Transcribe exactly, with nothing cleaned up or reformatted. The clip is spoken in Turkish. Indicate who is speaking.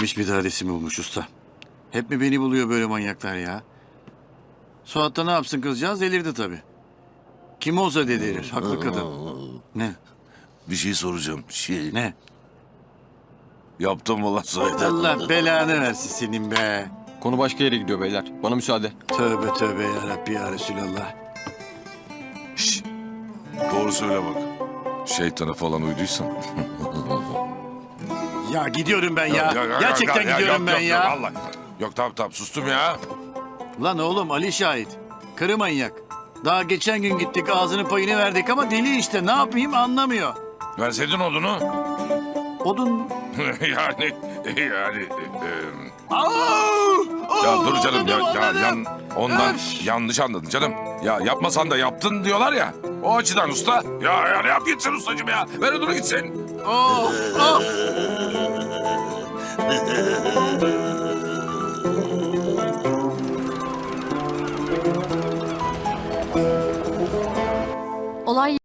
Speaker 1: Bitmiş bir dadesi mi bulmuş usta? Hep mi beni buluyor böyle manyaklar ya? Suat da ne yapsın kızcağız, delirdi tabii. Kim olsa delirir, haklı kadın. Ne?
Speaker 2: Bir şey soracağım. Şey.
Speaker 1: Ne?
Speaker 2: Yaptın mı lan Sait'e?
Speaker 1: Allah belanı versin senin be.
Speaker 3: Konu başka yere gidiyor beyler. Bana müsaade.
Speaker 1: Tövbe tövbe ya Rabbi ya Resulallah.
Speaker 2: Şşş. Doğru söyle bak. Şeytana falan uyduysan.
Speaker 1: Ya gidiyorum ben ya. Gerçekten
Speaker 2: ya,
Speaker 1: gidiyorum
Speaker 2: yok,
Speaker 1: ben
Speaker 2: yok,
Speaker 1: ya.
Speaker 2: Yok, vallahi. Yok tamam tamam sustum ya.
Speaker 1: Lan oğlum Ali şahit. Karı manyak. Daha geçen gün gittik ağzının payını verdik ama deli işte, ne yapayım anlamıyor.
Speaker 2: Verseydin odunu.
Speaker 1: Odun mu?
Speaker 2: yani yani. E,
Speaker 1: Aa!
Speaker 2: ya dur canım ya, ya
Speaker 1: Anladım,
Speaker 2: yan, ondan
Speaker 1: Öf!
Speaker 2: yanlış anladın canım. Ya yapmasan da yaptın diyorlar ya. O açıdan usta. Ya ya ne yap gitsin ustacığım ya. Ver odunu gitsin.
Speaker 1: Of, of!
Speaker 4: Olay